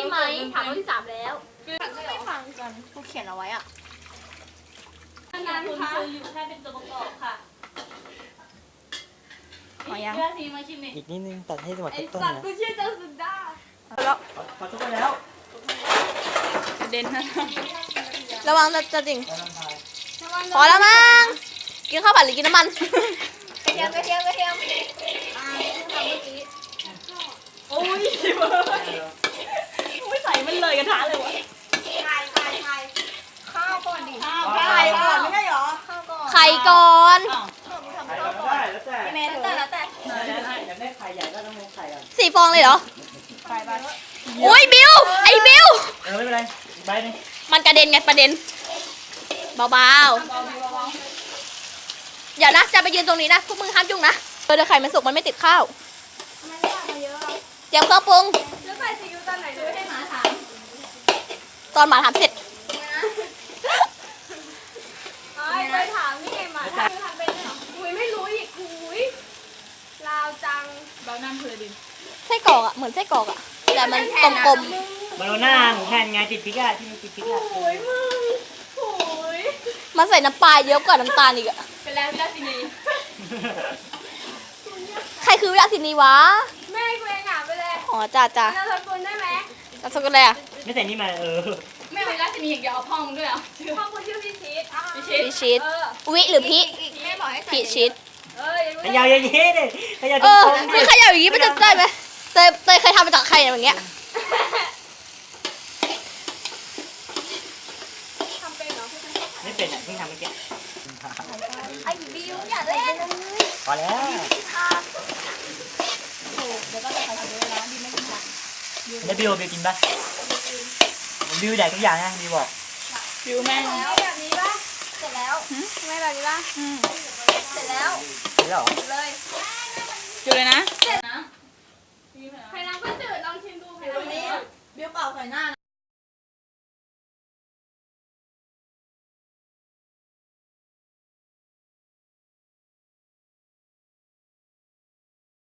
ไหมถามรอบที่3แล้วไม่ฟังกันกูเขียนเอาไว้อ่ะงานคุณคืออยู่แค่เป็นตัวประกอบค่ะพอยังเพื่อทีมาชิมนี่อีกนิดนึงตัดให้จังหวะไอ้ต้นสัตๆว์นะกูเชื่อเจ้าสุดาแล้วขอทุกคนแล้วกระเด็นนะระวังจะดิ่งแล้วน้ำพายพอแล้วมั้งกินข้าวผัดหรือกินน้ำมันกระเทียมทำเมื่อกี้โอ้ยไม่ใส่มันเลยกระทะเลยวะข้าวก่อนดิข้าวไข่ก่อนไม่ใช่หรอข้าวก่อนไข่ก่อนไข่ก็ได้แล้วแต่แม่แล้วแต่อยากได้ไข่ใหญ่ก็ต้องลงไข่อ่ะ 4 ฟองเลยเหรอโอ้ยบิวไอ้บิวไม่เป็นไรอีกใบนึงมันกระเด็นไงประเด็นเบาๆอย่านะจะไปยืนตรงนี้นะพวกมึงห้ามยุ่งนะเดี๋ยวไข่มันสุกมันไม่ติดข้าวเตรียมเครื่องปรุงแล้วใส่ซีอิ๊วตอนไหนด้วยให้หมาถามตอนหมาถามเสร็จไปถามนี่ไงหมาถามทำเป็นเหรออุ้ยไม่รู้อีกอุ้ยลาวจังเบาน้ำเพลินไส้กรอกอ่ะเหมือนไส้กรอกอ่ะแต่มันกลมบาโลน่าหมูแผ่นไงติดพริกอ่ะที่มีติดพริกอ่ะโอ้ยมึงโอ้ยๆมันใส่น้ำปลาเยอะกว่าน้ำตาลอีกอ่ะเป็นแล้วพี่ราชินีใครคือวิลาสินีวะแม่กูเองอ่ะไปเลยอ๋อจ้าเราทำบุญได้ไหมแล้วสกุลอะไรอ่ะไม่ใส่นี่มาแม่เป็นราชินีอย่างเดียวเอาพ่อมึงด้วยเหรอพ่อกูชื่อพี่ชีสพีชิตวิหรือพีแม่บอกให้ใส่พีชิตขยาวเยอะๆเลยขยาวตเอรอง คือขยาวอย่างนี้มันจะได้ไหมเตยเคยทำมาจากใครอย่างเงี้ยทำเป็นเหรอๆไม่เป็นอ่ะเพิ่งทำเมื่อกี้ไอ้บิวอย่าเล่นพอแล้วเดี๋ยวก็จะใส่ถุงมือแล้วดีไม่กินผักแล้วบิวกินปะบิวแดกทุกอย่างนะบิวบอกบิวแม่งแล้วแบบนี้ป่ะเสร็จแล้วไม่แบบนี้ป่ะเสร็จแล้วนี่หรอเลยอยู่เลยนะเสร็จนะใครน้ำก็จืดลองชิมดูใครน้ำนี้บิวเปล่าใส่หน้า